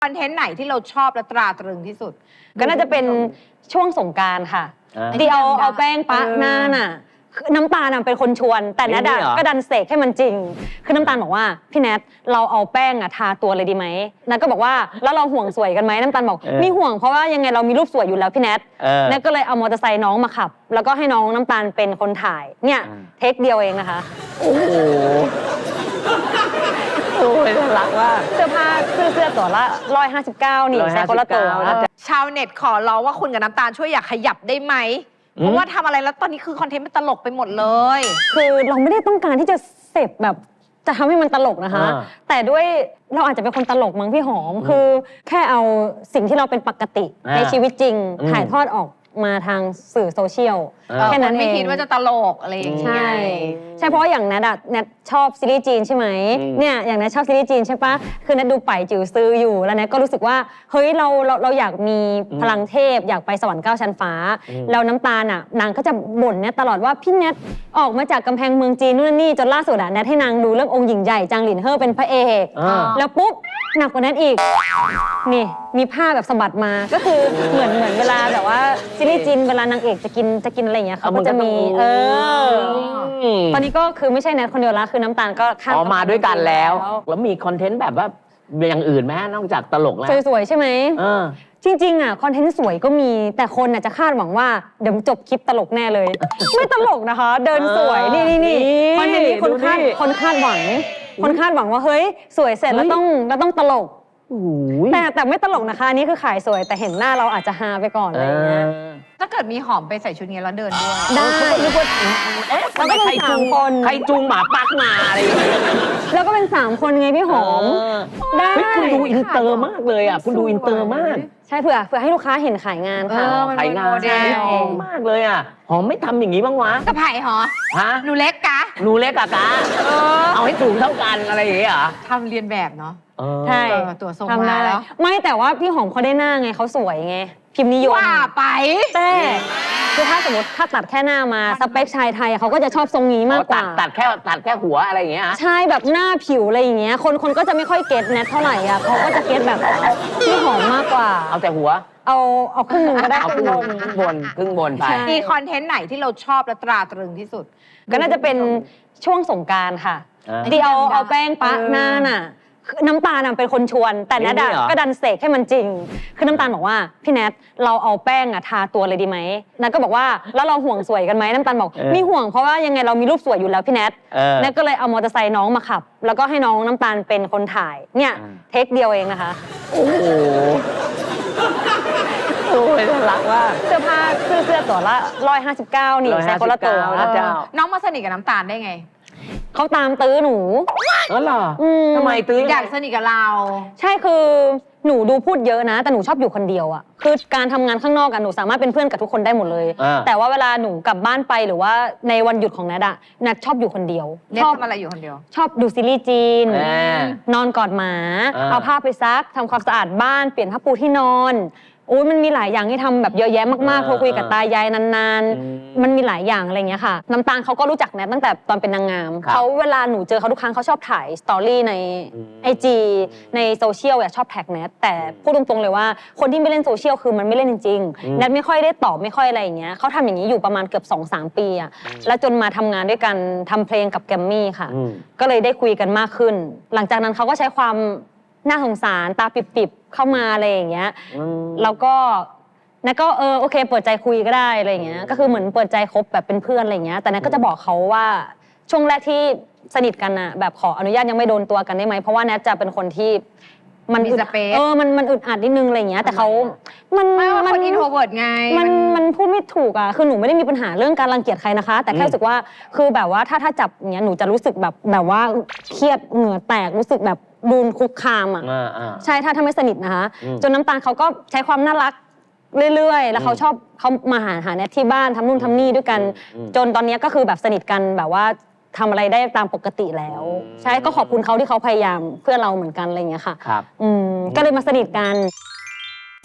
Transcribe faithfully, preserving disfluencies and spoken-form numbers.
คอนเทนต์ไหนที่เราชอบและตราตรึงที่สุดก็น่าจะเป็นช่วงสงกรานต์ค่ะที่เอาเอาแป้งปะหน้าน่ะน้ำตาลเป็นคนชวนแต่แนทก็ดันเสกให้มันจริงคือน้ำตาลบอกว่าพี่แนทเราเอาแป้งทาตัวเลยดีไหมนัทก็บอกว่าแล้วเราห่วงสวยกันไหมน้ำตาลบอกมีห่วงเพราะว่ายังไงเรามีรูปสวยอยู่แล้วพี่แนทนัทก็เลยเอามอเตอร์ไซค์น้องมาขับแล้วก็ให้น้องน้ำตาลเป็นคนถ่ายเนี่ยเทคเดียวเองนะคะโอ้โหโอ้ยน่ารักว่าเสื้อผ้าซื้อเสื้อตัวละร้อยห้าสิบเก้านี่ใช้คนละตัวชาวเน็ตขอร้องว่าคุณกับน้ำตาลช่วยอยากขยับได้ไหมเพราะว่าทำอะไรแล้วตอนนี้คือคอนเทนต์มันตลกไปหมดเลยคือเราไม่ได้ต้องการที่จะเสพแบบจะทำให้มันตลกนะคะแต่ด้วยเราอาจจะเป็นคนตลกมั้งพี่หอมคือแค่เอาสิ่งที่เราเป็นปกติในชีวิตจริงถ่ายทอดออกมาทางสื่อโซเชียลแค่นั้นไม่คิดว่าจะตลกอะไรอย่างเงี้ยใช่ใช่เพราะอย่างนัทอะนัทชอบซีรีส์จีนใช่ไหมเนี่ยอย่างนัทชอบซีรีส์จีนใช่ปะคือนัทดูไปจิ๋วซื้ออยู่แล้วนัทก็รู้สึกว่าเฮ้ยเราเราเราอยากมีพลังเทพอยากไปสวรรค์เก้าชั้นฟ้าแล้วน้ำตาลอะนางก็จะบ่นเนี่ยตลอดว่าพี่นัทออกมาจากกำแพงเมืองจีนนู่นนี่จนล่าสุดอะนัทให้นางดูเรื่ององค์หญิงใหญ่จางหลินเฮ่อเป็นพระเอกแล้วปุ๊บหนักกว่านั้นอีกนี่มีผ้าแบบสะบัดมาก็คือเหมือนเหมือนเวลาแบบว่าซีรีส์จีนเวลานางเอกจะกินจะกินอะไรอย่างเงี้ยเขาก็จะมีเออตอนนี้ก็คือไม่ใช่แนทคนเดียวละคือน้ำตาลก็ข้ามมาด้วยกันแล้วแล้วมีคอนเทนต์แบบว่าอย่างอื่นไหมนอกจากตลกแล้วสวยๆใช่ไหมจริงๆอ่ะคอนเทนต์สวยก็มีแต่คนอ่ะจะคาดหวังว่าเดี๋ยวจบคลิปตลกแน่เลยไม่ตลกนะคะเดินสวยนี่นี่นี่คอนเทนต์นี้คนคาดคนคาดหวังคนคาดหวังว่าเฮ้ยสวยเสร็จแล้วต้องแล้วต้องตลกแต่แต่ไม่ตลกนะคะนี่คือขายสวยแต่เห็นหน้าเราอาจจะฮาไปก่อนอะไรอย่างเงี้ยถ้าเกิดมีหอมไปใส่ชุดนี้แล้วเดินด้วยได้แล้วก็เป็นสามคนใครจูงหมาปักมาอะไรอย่างเงี้ยแล้วก็เป็นสามคนไงพี่หอมได้คุณดูอินเตอร์มากเลยอ่ะคุณดูอินเตอร์มากใช่เผื่อเผื่อให้ลูกค้าเห็นขายงานค่ะขายงานมากเลยอ่ะหอมไม่ทำอย่างนี้บ้างวะกระไผ่หรอฮะหนูเล็กกะหนูเล็กกะกะเอาให้ถูกเท่ากันอะไรอย่างเงี้ยทำเรียนแบบเนาะใช่ตัวทรงมาแล้วไม่แต่ว่าพี่หอมเขาได้หน้าไงเขาสวยไงพิมพ์นิยมว่าไปแต่คือถ้าสมมติถ้าตัดแค่หน้ามาสเปคชายไทยเขาก็จะชอบทรงนี้มากกว่าตัดแค่ตัดแค่หัวอะไรอย่างเงี้ยใช่แบบหน้าผิวอะไรอย่างเงี้ยคนคนก็จะไม่ค่อยเก็ตแนทเท่าไหร่อ่ะเขาก็จะเก็ตแบบพี่หอมมากกว่าเอาแต่หัวเอาเอาครึ่งหนึ่งก็ได้เอาครึ่งบนครึ่งบนครึ่งบนไปมีคอนเทนต์ไหนที่เราชอบและตราตรึงที่สุดก็น่าจะเป็นช่วงสงกรานต์ค่ะที่เอาเอาแป้งปะหน้าน่ะน้ำตาลเป็นคนชวนแต่แนทก็ดันเสกให้มันจริงคือน้ำตาลบอกว่าพี่แนทเราเอาแป้งทาตัวเลยดีไหมนัทก็บอกว่าแล้วเราห่วงสวยกันไหมน้ำตาลบอกมีห่วงเพราะว่ายังไงเรามีรูปสวยอยู่แล้วพี่แนทนัทก็เลยเอามอเตอร์ไซค์น้องมาขับแล้วก็ให้น้องน้ำตาลเป็นคนถ่ายเนี่ยเทคเดียวเองนะคะโอ้โหโอ้ยน่ารักว่าเสื้อผ้าซื้อเสื้อตัวละร้อยห้าสิบเก้านี่ใช้คนละตัวน้องมาสนิทกับน้ำตาลได้ไงเขาตามตื้อหนูอ๋อเหรอทำไมตื้ออยากสนิทกับเราใช่คือหนูดูพูดเยอะนะแต่หนูชอบอยู่คนเดียวอ่ะคือการทำงานข้างนอกกันหนูสามารถเป็นเพื่อนกับทุกคนได้หมดเลยแต่ว่าเวลาหนูกลับบ้านไปหรือว่าในวันหยุดของนัทอะนัทชอบอยู่คนเดียวชอบทำอะไรอยู่คนเดียวชอบดูซีรีส์จีนนอนกอดหมาเอาผ้าไปซักทำความสะอาดบ้านเปลี่ยนผ้าปูที่นอนโอ้ยมันมีหลายอย่างที่ทำแบบเยอะแยะมากๆโทรคุยกับตายายนานๆมันมีหลายอย่างอะไรเงี้ยค่ะน้ำตาลเขาก็รู้จักแนทตั้งแต่ตอนเป็นนางงามเขาเวลาหนูเจอเขาทุกครั้งเขาชอบถ่ายสตอรี่ในไอจีในโซเชียลอะชอบแท็กแนทแต่พูดตรงๆเลยว่าคนที่ไม่เล่นโซเชียลคือมันไม่เล่นจริงๆแนทไม่ค่อยได้ตอบไม่ค่อยอะไรอย่างเงี้ยเขาทำอย่างนี้อยู่ประมาณเกือบ สองถึงสาม ปีอะแล้วจนมาทำงานด้วยกันทำเพลงกับแกรมมี่ค่ะก็เลยได้คุยกันมากขึ้นหลังจากนั้นเขาก็ใช้ความน่าสงสารตาปิบๆเข้ามาอะไรอย่างเงี้ยแล้วก็นัทก็เออโอเคเปิดใจคุยก็ได้อะไรอย่างเงี้ยก็คือเหมือนเปิดใจคบแบบเป็นเพื่อนอะไรอย่างเงี้ยแต่นัทก็จะบอกเขาว่าช่วงแรกที่สนิทกันอะแบบขออนุญาตยังไม่โดนตัวกันได้ไหมเพราะว่านัทจะเป็นคนที่มันอึดเออมันมันอึดอัดนิดนึงอะไรอย่างเงี้ยแต่เขามันมันอินโทรเวิร์ตไงมันมันพูดไม่ถูกอะคือหนูไม่ได้มีปัญหาเรื่องการรังเกียจใครนะคะแต่แค่รู้สึกว่าคือแบบว่าถ้าถ้าจับอย่างเงี้ยหนูจะรู้สึกแบบแบบว่าเครียดเหงื่อแตกรู้สึกแบบดูคุกคามอ่ะใช่ถ้าถ้าไม่สนิทนะคะจนน้ำตาลเขาก็ใช้ความน่ารักเรื่อยๆแล้วเขาชอบเขามาหาหาแนทที่บ้านทำนู่นทำนี่ด้วยกันจนตอนนี้ก็คือแบบสนิทกันแบบว่าทำอะไรได้ตามปกติแล้วใช่ก็ขอบคุณเขาที่เขาพยายามเพื่อเราเหมือนกันอะไรอย่างเงี้ยค่ะก็เลยมาสนิทกัน